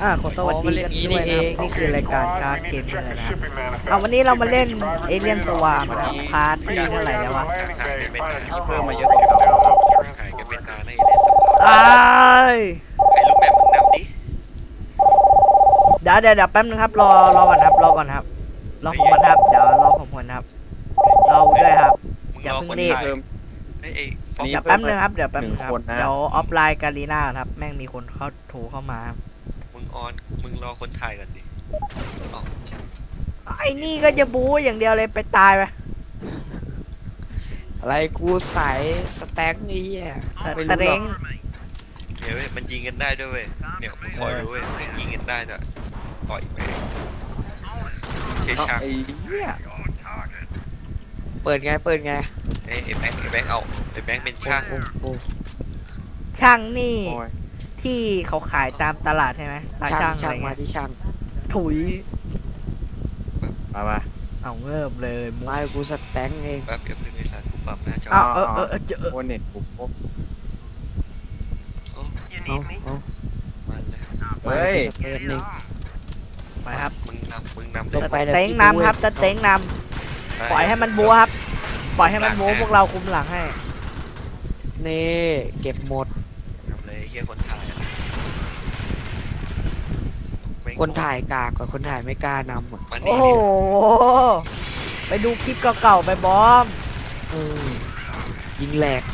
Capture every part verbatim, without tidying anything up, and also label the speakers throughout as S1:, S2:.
S1: อ่าขอสวัสดีกันด้วยนะครับนี่คือรายการชาร์จเกมเลยนะครับเอาวันนี้เรามาเล่นเอเลียนสวาร์มพาร์ทที่เท่าไหร่แล้ววะ
S2: ขายกันเป็นนานมีเพิ่มมาเยอะกว่าเก่าขายกันเป็นนานให้เล่นสปอร์ต
S1: อ้าย
S2: ใครรู้แบบมึงนำดิ
S1: เดี๋ยวเดี๋ยวเดี๋ยวแป๊บนึงครับรอรอก่อนครับรอก่อนครับรอผมก่อนครับเดี๋ยวรอผมก่อนครับรอด้วยครับ
S2: มึง
S1: อย่าร
S2: อ
S1: เพิ่ง
S2: คน
S1: รีบ
S2: ถ่ายไอ้ไอ้ฟอก
S1: เดี๋ยวแป๊บนึงครับเดี๋ยวแป๊บนึงครับเดี๋ยวออฟไลน์การีน่าครับแม่งมีคนเข้าโทรเข้ามาครับ
S2: มึงออนมึงรอคนถ่ายกันดิอ๋อ
S1: ไอ้นี่ก็จะบู๊อย่างเดียวเลยไปตายไป
S3: อะไรกูสายสแต็กนี่อ่ะ
S1: ตะเร้ง
S2: เดี๋ยวเว้ยมันยิงกันได้ด้วยเว้ยเนี่ยมึงคอยดูเว้ยมันยิงกันได้ด้วยต่อยไปเชช่าง
S3: ไอ้เหี้ยเปิดไงเปิดไง
S2: ไอ้ไอ้แบงค์ไอ้แบงค์เอาไอ้แบงค์เป็นช่าง
S3: โอ้โห
S1: ช่างนี่
S3: โอ้ย
S1: ที่เขาขายตามตลาดใช่ไหมตา
S3: ช่า
S1: ช่าง งอะไร
S3: ช่างมา
S1: เงี้ย
S3: ที่ช่าง
S1: ถุย
S3: มามา
S1: เอาเงิบเลยมุก
S3: ไม่กูสแต็กเอง
S2: แป๊บเดี๋ยวเพิ่งไอ้สารกูปรับหน้าจอ
S1: อ้าวเออเออเออเจอ
S3: โอเน็ตกูปุ๊บ
S2: โอ้
S3: เอาเอา
S2: มันเลย
S3: เฮ้ยสเปนนี่
S1: ไปครับ
S2: มึงนำมึงนำ
S3: ลงไป
S1: เต็งนำครับจะเต็งนำปล่อยให้มันบู๊ครับปล่อยให้มันบู๊พวกเราคุมหลังให้
S3: นี่เก็บหมด
S2: นำเลยเฮียคนถ่ายอะแม่ง
S3: คนถ่ายกากกว่าคนถ่ายไม่กล้านำอ่ะ
S2: มัน
S1: โอ้
S2: นี่
S1: โหไปดูคลิปเก่าๆไปบอม
S3: เออยิงแหลก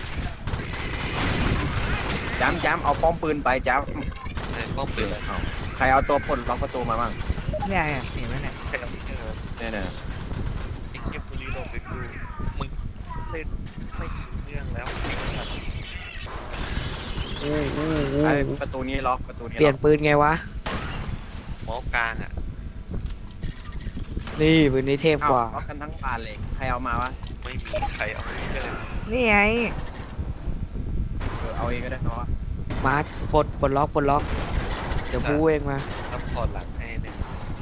S4: จ้ำจ้ำเอาป้อมปืนไปจ้
S2: ไอ้ป้อมปืน
S4: ำใครเอาตัวปลดล็อกประตูมาบ้าง
S1: เนี่ยเห็นไหมเนี่ย
S2: ใครเอาที่เจอ
S4: เนี่ยเนี่ย
S2: ไอ้เคียบุรีลงไปกูมึงเล่นไม่รู้เรื่องแล้วไอ้สัตว์
S3: อู้อู้
S4: ไอ้
S3: อู้
S4: ประตูนี้ล็อกประตูนี้
S3: เปลี่ยน
S4: ล็อก
S3: ปืนไงวะ
S2: หมอกลางอ่ะ
S3: นี่ปืนนี้เทพ
S4: เอ้าก
S3: ว่า
S4: ล็อกกันทั้งบานเลยใครเอามาวะ
S2: ไม่มีใครเอาเรื่อง
S1: นี่ไง
S4: เออเอาเองก็ได้เนาะ
S3: มาปลดปลดล็อกปลดล็อกเดี๋ยวบูเองมา
S2: ซัพพอร์ตหลังให้เนี่ย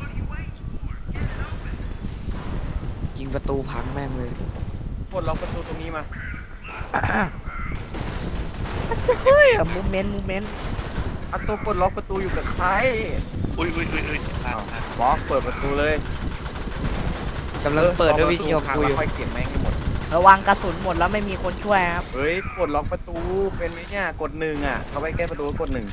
S3: ยิงประตูพังแม่งเลย
S4: ปลดล็อกประตูตรงนี้มา
S1: เฮ้ยมูเมนต์มูเมนต์
S4: เอาตัวปลดล็อกประตูอยู่กับใคร
S2: อุ้ยอุ้ยอุ้ยอุ้ยพลาดพลาด
S4: บล็อกเปิดประตูเลย
S3: กำลังเปิดด้วยวิธี
S4: ข
S3: ของ
S4: กู
S3: กูอยู่
S4: ค่อยเก็บแม่งให้หมด
S1: ระวังกระสุนหมดแล้วไม่มีคนช่วยครับ
S4: เฮ้ยปลดล็อกประตูเป็นไหมเนี่ยกดหนึ่งอ่ะเขาไปแก้ประตูกดหนึ่ง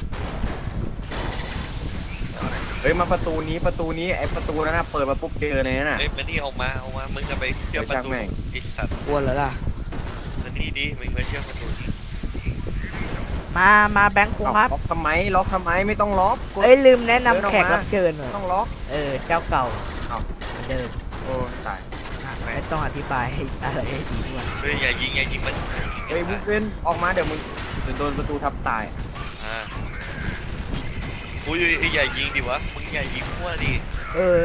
S4: เฮ้ยมาประตูนี้ประตูนี้ไอประตูนั้นนะเปิดมาปุ๊บเจอเลยน่ะ
S2: เอ้ยมานี่เอามาเอามามึงจะไปเชื่อมประตู
S4: เดี๋ยวช่างแม่ง
S2: ไอ้สัตว์
S3: กลัวแล้วล่ะ
S2: มานี่ดิมึงมาเชื่อมประตู
S1: มามาแบงค์ครูครับ
S4: ล็อกทำไมล็อกทำไมไม่ต้องล็อกกด
S1: เอ้ยลืมแนะนำ
S4: เดินออก
S1: แขก
S4: มา
S1: รับเชิญหน่อย
S4: ต้องล็อก
S1: เออเจ้าเก่า
S4: เอ้า
S1: เหมือนเดิม
S4: โอ้ตาย
S1: ไม่ต้องอธิบายให้อะไรให้ดีด้วย
S2: เฮ้ยอย่ายิงอย่ายิงมัน
S4: เฮ้ยบุ๊กเว้นออกมาเดี๋ยวมึงเดี๋ยวโดนประตูทับตาย
S2: อ่าอุ้ยอุ้ยอุ้ยอย่ายิงดิวะมึงอย่ายิงมั่วดิ
S1: เออ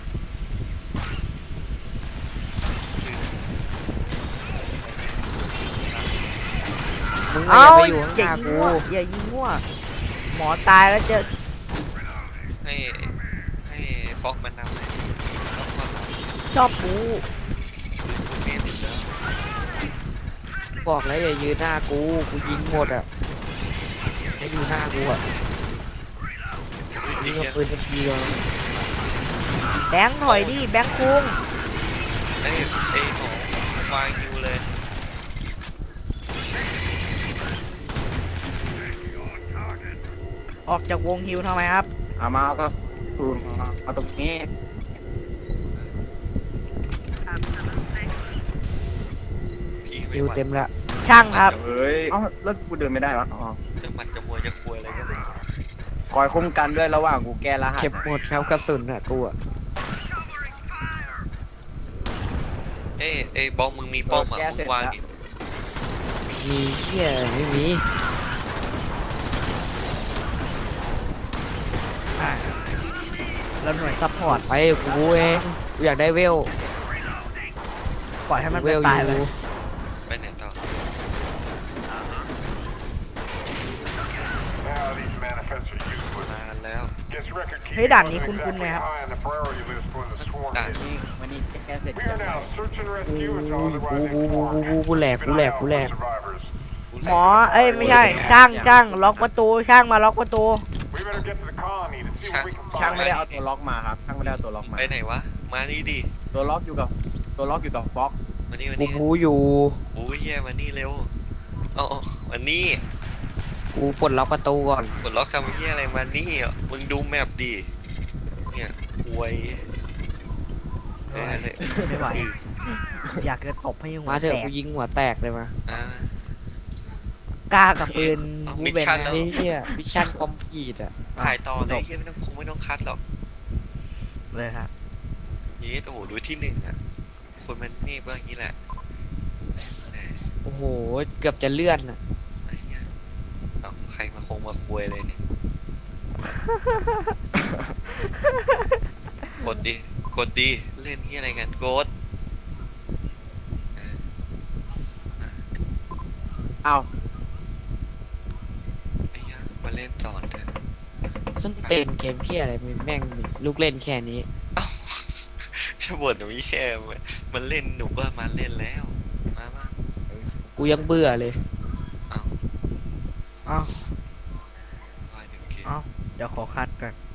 S3: มึงอ
S1: เอา
S3: ย่าไปอยู่ข้างห
S1: อย่า
S3: น้า
S1: ยิง
S3: กู
S1: มั่วอย่ายิงมั่วหมอตายแล้วเจอ
S2: ให้ให้ฟอกมันนำเลยต้องมาหลัง
S1: ชอบบู
S2: กูเมนอีกแล้ว
S3: บอกแล้วอย่ายืนหน้ากูกูยิงหมดอ่ะให้อยู่หน้ากูอ่ะ
S2: ไอ้
S3: ยิง
S2: เหี้
S3: กับ
S2: ย
S3: ปืนทันทีเลย
S1: แบงค์ถอยดิแบงค์คุง
S2: ไอ้ไอ้หมอวางอยู่เลย
S1: ออกจากวงฮิวทำไมครับ
S4: เอามาเอาก็สูนเอาตรงนี้
S2: พี่ไม่
S3: ยิว
S2: ไหว
S3: เต็มละ
S1: ช่างครับ
S4: เฮ้ยเอ้าแล้วกูเดินไม่ได้วะอ๋อ
S2: จะหมัดจะมวยจะควยอะไรก็ได้
S4: คอยคุ้มกันด้วยระหว่างกูแก้รหัส
S3: เก็บหมดครับกระสุนอ่ะกูอ่ะ
S2: เอ้ยเอ้ยบอมมึงมีป้อมอ่ะมึงวางดิ
S3: มีเหี้ยไม่มี
S1: อ่ะแล้วหน่วยซัพพอร์ต
S3: ไปกูเองกูอยากได้เวล
S1: ปล่อยให้มัน
S3: เว
S1: ไป
S3: ลอ
S1: ตายไป
S3: ยู่
S2: ไปไหนต่อ มาแล้ว
S1: เฮ้ยด่านนี้คุ้นๆนะครับ
S2: ด่าน
S4: นี่วันนี้แก้เสร็จ
S3: กูกูกูกูกูกูแหลกกูแหลกกูแหลก
S1: หมอเอ้ยไม่ใช่ช่างช่างล็อกประตูช่างมาล็อกประตู
S2: ม
S4: ช่างไม่ได้เอาตัวล็อกมาครับช่างไม่ได้เอาตัวล็อกมา
S2: ไปไหนวะมานี่ดิ
S4: ตัวล็อกอยู่กับตัวล็อกอยู่กับบล็อก
S2: มานี่มา
S3: กู
S2: นี่
S3: บูอยู่
S2: โอ้ยเฮียมานี่เร็วเอ๋อามานี่
S3: กูปลดล็อกประตูก่อน
S2: กดล็อกทำเฮียอะไรมานี่อ่ะมึงดูแมปดิเนี่ยควยเออเลย
S1: ไม่ไหวอยากจะตบให้หัว
S3: มาเถ
S1: แต
S3: อะ
S1: ก
S3: กูยิงหัวแตกเลยมา
S2: อ่า
S1: กล้ากับปืน
S2: เอา
S1: บู
S2: มิช
S1: เบน
S2: ชั่น
S1: นะ
S2: แล้ว
S3: ไอ้เหี้ยมิชชั่นคอมพลีทอ่ะ
S2: ถ่ายต่อเลยเฮียไม่ต้องคงไม่ต้องคัดหรอก
S1: เลยครับ
S2: เยสโอ้โหดูที่หนึ่งอ่ะคนมันนี่ก็อย่างนี้แหละ
S3: โอ้โหเกือบจะเลื่อนอ่ะ
S2: ไอ้เหี้ยเอาใครมาคงมาคุยเลยเนี่ย กดดิ กดดิ เล่นที่อะไรกันกด
S4: เอา
S2: ไอ้เหี้ยมาเล่นต่อเถอะ
S3: ส้นเต็นเกมเพี้ยอะไรแม่งมีลูกเล่นแค่นี้
S2: จะบ่นหนูไม่แค่มันเล่นหนูก็มาเล่นแล้ว มามา
S3: กูยังเบื่อเลย
S1: เอ้า
S2: ว่าเดี๋ยวโอเค
S1: เอ้าเดี๋ยวขอคัดก่อน